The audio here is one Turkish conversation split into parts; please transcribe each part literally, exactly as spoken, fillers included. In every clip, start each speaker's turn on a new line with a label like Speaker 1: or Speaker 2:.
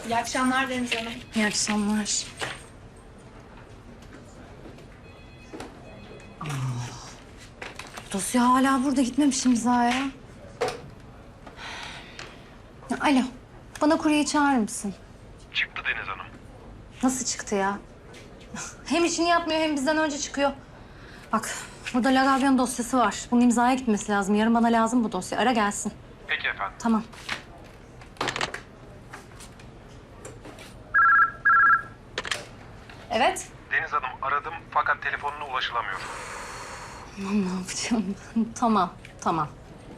Speaker 1: İyi akşamlar Deniz Hanım.
Speaker 2: İyi akşamlar. Aa, dosya hala burada, gitmemiş imzaya. Alo, bana kuryeyi çağırır mısın?
Speaker 3: Çıktı Deniz Hanım.
Speaker 2: Nasıl çıktı ya? Hem işini yapmıyor hem bizden önce çıkıyor. Bak, burada Lagavyon dosyası var. Bunun imzaya gitmesi lazım. Yarın bana lazım bu dosya. Ara gelsin.
Speaker 3: Peki efendim.
Speaker 2: Tamam. Evet.
Speaker 3: Deniz Hanım aradım fakat telefonuna ulaşılamıyor.
Speaker 2: Aman ne yapacağım? Tamam, tamam.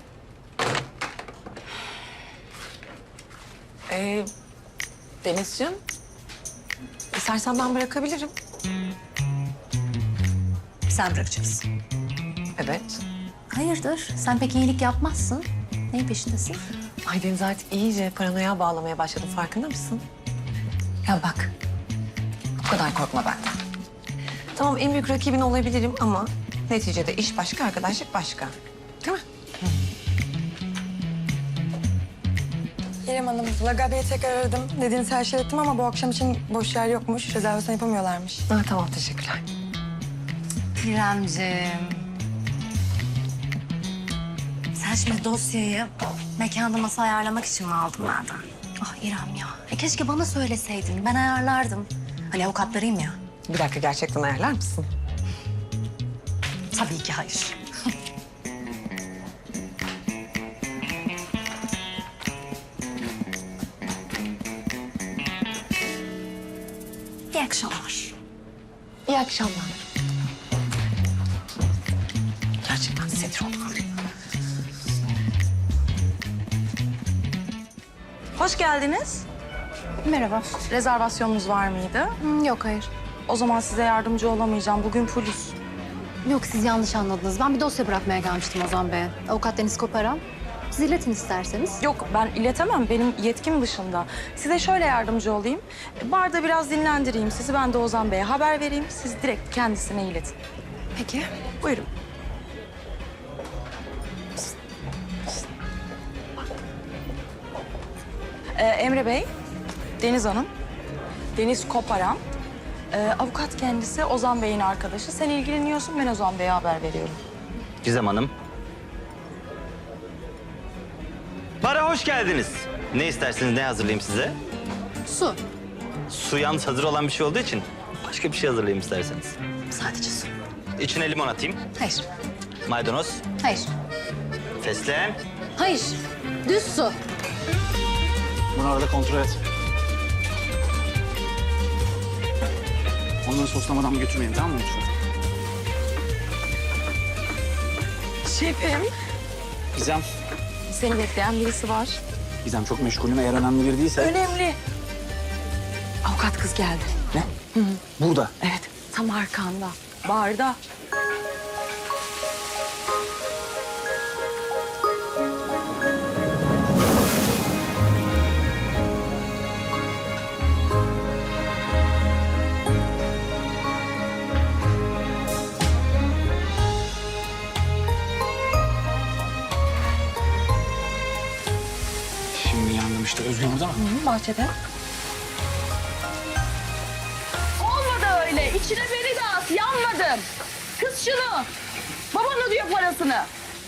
Speaker 4: Ee, Denizciğim, istersen ben bırakabilirim.
Speaker 2: Sen bırakacaksın.
Speaker 4: Evet.
Speaker 2: Hayırdır? Sen pek iyilik yapmazsın. Neyin peşindesin?
Speaker 4: Ay Deniz artık iyice paranoya bağlamaya başladı, farkında mısın? Ya bak, bu kadar korkma benden. Tamam, en büyük rakibin olabilirim ama neticede iş başka, arkadaşlık başka. Değil mi?
Speaker 5: İrem Hanım, Lagabe'yi tekrar aradım. Dediğiniz her şeyi ettim ama bu akşam için boş yer yokmuş. Rezervasyon yapamıyorlarmış.
Speaker 4: Ha, tamam, teşekkürler.
Speaker 2: İremciğim. Sen şimdi dosyayı mekanda masa ayarlamak için mi aldın benden? Ah İrem ya. E keşke bana söyleseydin. Ben ayarlardım. Hani avukatlarıyım ya.
Speaker 4: Bir dakika, gerçekten ayarlar mısın?
Speaker 2: Tabii ki hayır. İyi akşamlar.
Speaker 4: İyi akşamlar. Gerçekten sinir oldum.
Speaker 5: Hoş geldiniz.
Speaker 2: Merhaba.
Speaker 5: Rezervasyonunuz var mıydı?
Speaker 2: Hı, yok hayır.
Speaker 5: O zaman size yardımcı olamayacağım. Bugün polis.
Speaker 2: Yok, siz yanlış anladınız. Ben bir dosya bırakmaya gelmiştim Ozan Bey'e. Avukat Deniz Koparan. Siz iletin isterseniz.
Speaker 5: Yok, ben iletemem. Benim yetkim dışında. Size şöyle yardımcı olayım. Barda biraz dinlendireyim sizi. Ben de Ozan Bey'e haber vereyim. Siz direkt kendisine iletin.
Speaker 2: Peki.
Speaker 5: Buyurun. Ee, Emre Bey, Deniz Hanım, Deniz Koparan. Ee, avukat kendisi, Ozan Bey'in arkadaşı. Sen ilgileniyorsun, ben Ozan Bey'e haber veriyorum.
Speaker 6: Gizem Hanım. Bara hoş geldiniz. Ne isterseniz ne hazırlayayım size?
Speaker 2: Su.
Speaker 6: Su yalnız hazır olan bir şey olduğu için başka bir şey hazırlayayım isterseniz.
Speaker 2: Sadece su.
Speaker 6: İçine limon atayım.
Speaker 2: Hayır.
Speaker 6: Maydanoz,
Speaker 2: Hayır.
Speaker 6: fesleğen.
Speaker 2: Hayır. Düz su.
Speaker 7: Bunu arada kontrol et. Onları soslamadan götürmeyin, tamam mı lütfen?
Speaker 5: Şefim.
Speaker 7: Gizem,
Speaker 5: Seni bekleyen birisi var.
Speaker 7: Gizem çok meşgulüm. Eğer önemli biri değilse...
Speaker 5: Önemli. Avukat kız geldi.
Speaker 7: Ne? Burada.
Speaker 5: Evet, tam arkanda. Barda.
Speaker 7: Şimdi yandım işte. Özgür burada mı?
Speaker 5: Bahçede.
Speaker 8: Olmadı öyle. İçine beni de at. Yanmadım. Kız şunu. Baban ödüyor parasını.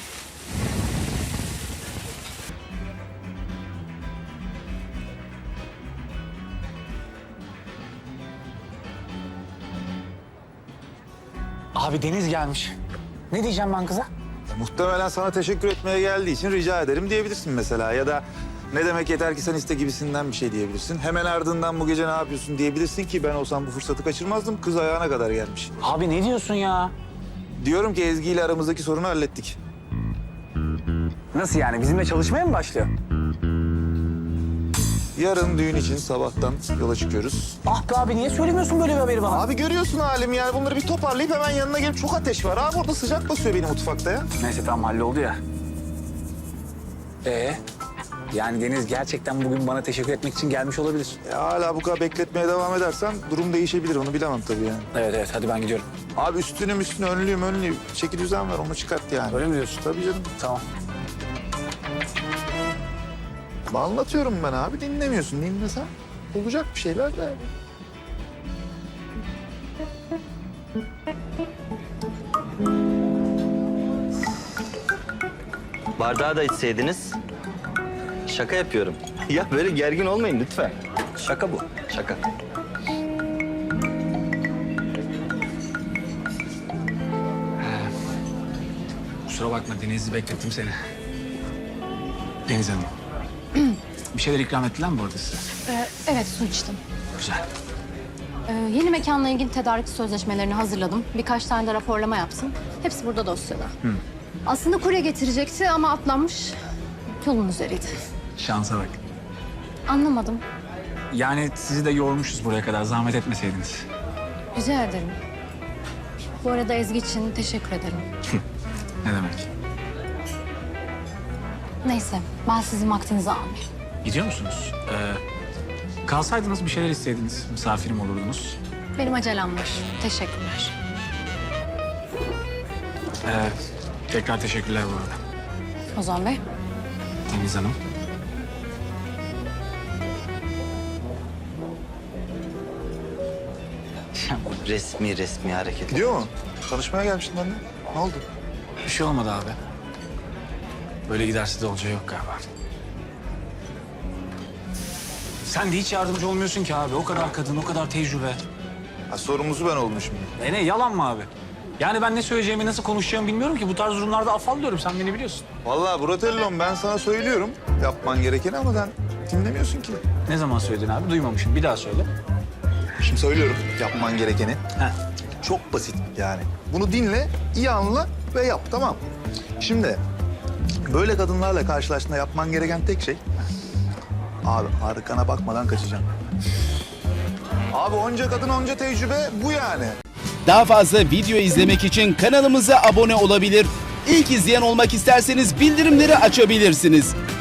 Speaker 7: Abi Deniz gelmiş. Ne diyeceğim ben kıza?
Speaker 9: Muhtemelen sana teşekkür etmeye geldiği için rica ederim diyebilirsin mesela. Ya da ne demek yeter ki sen iste gibisinden bir şey diyebilirsin. Hemen ardından bu gece ne yapıyorsun diyebilirsin ki ben olsam bu fırsatı kaçırmazdım. Kız ayağına kadar gelmiş.
Speaker 7: Abi ne diyorsun ya?
Speaker 9: Diyorum ki Ezgi ile aramızdaki sorunu hallettik.
Speaker 7: Nasıl yani? Bizimle çalışmaya mı başlıyor?
Speaker 9: Yarın düğün için sabahtan yola çıkıyoruz.
Speaker 7: Ah be abi, niye söylemiyorsun böyle bir haberi bana?
Speaker 9: Abi görüyorsun halimi yani bunları bir toparlayıp hemen yanına gelip çok ateş var. Abi orada sıcak basıyor benim mutfakta ya.
Speaker 7: Neyse tamam, halloldu ya. Ee, yani Deniz gerçekten bugün bana teşekkür etmek için gelmiş olabilir.
Speaker 9: Ya hala bu kadar bekletmeye devam edersen durum değişebilir onu bilemem tabii yani.
Speaker 7: Evet evet, hadi ben gidiyorum.
Speaker 9: Abi üstünüm üstüne önlüyüm önlüyüm. Çeki düzen ver onu çıkart yani.
Speaker 7: Öyle mi diyorsun?
Speaker 9: Tabii canım.
Speaker 7: Tamam.
Speaker 9: Anlatıyorum ben abi dinlemiyorsun dinlesen. olacak bir şeyler de.
Speaker 6: Bardağı da içseydiniz. Şaka yapıyorum. Ya böyle gergin olmayın lütfen. Şaka bu, şaka.
Speaker 7: Kusura bakma Deniz'i beklettim seni. Deniz Hanım. Bir şeyler ikram ettiler mi bu arada size?
Speaker 2: Ee, evet, su içtim.
Speaker 7: Güzel.
Speaker 2: Ee, yeni mekanla ilgili tedarik sözleşmelerini hazırladım. Birkaç tane de raporlama yaptım. Hepsi burada dosyada. Aslında kurye getirecekti ama atlanmış. Yolun üzeriydi.
Speaker 7: Şansa bak.
Speaker 2: Anlamadım.
Speaker 7: Yani sizi de yormuşuz buraya kadar. Zahmet etmeseydiniz.
Speaker 2: Rica ederim. Bu arada Ezgi için teşekkür ederim.
Speaker 7: Ne demek?
Speaker 2: Neyse, ben sizin vaktinizi almayayım.
Speaker 7: Gidiyor musunuz? Ee, kalsaydınız bir şeyler isteydiniz. Misafirim olurdunuz.
Speaker 2: Benim acelem var. Teşekkürler.
Speaker 7: Ee, tekrar teşekkürler bu arada.
Speaker 2: Ozan Bey.
Speaker 7: Deniz Hanım.
Speaker 6: Resmi resmi hareket.
Speaker 9: Gidiyor mu? Tanışmaya gelmiştin benimle. Ne oldu?
Speaker 7: Bir şey olmadı abi. Böyle giderse de olacağı yok galiba. Sen de hiç yardımcı olmuyorsun ki abi. O kadar kadın, o kadar tecrübe.
Speaker 9: Ha, sorumlusu ben oldum şimdi.
Speaker 7: E ne, yalan mı abi? Yani ben ne söyleyeceğimi, nasıl konuşacağımı bilmiyorum ki. Bu tarz durumlarda afallıyorum. Sen beni biliyorsun.
Speaker 9: Vallahi Bratello'm ben sana söylüyorum yapman gerekeni ama sen dinlemiyorsun ki.
Speaker 7: Ne zaman söyledin abi? Duymamışım. Bir daha söyle.
Speaker 9: Şimdi söylüyorum yapman gerekeni.
Speaker 7: Heh.
Speaker 9: Çok basit yani. Bunu dinle, iyi anla ve yap, tamam. Şimdi böyle kadınlarla karşılaştığında yapman gereken tek şey... Abi arkana bakmadan kaçacaksın. Abi onca kadın, onca tecrübe bu yani.
Speaker 1: Daha fazla video izlemek için kanalımıza abone olabilir. İlk izleyen olmak isterseniz bildirimleri açabilirsiniz.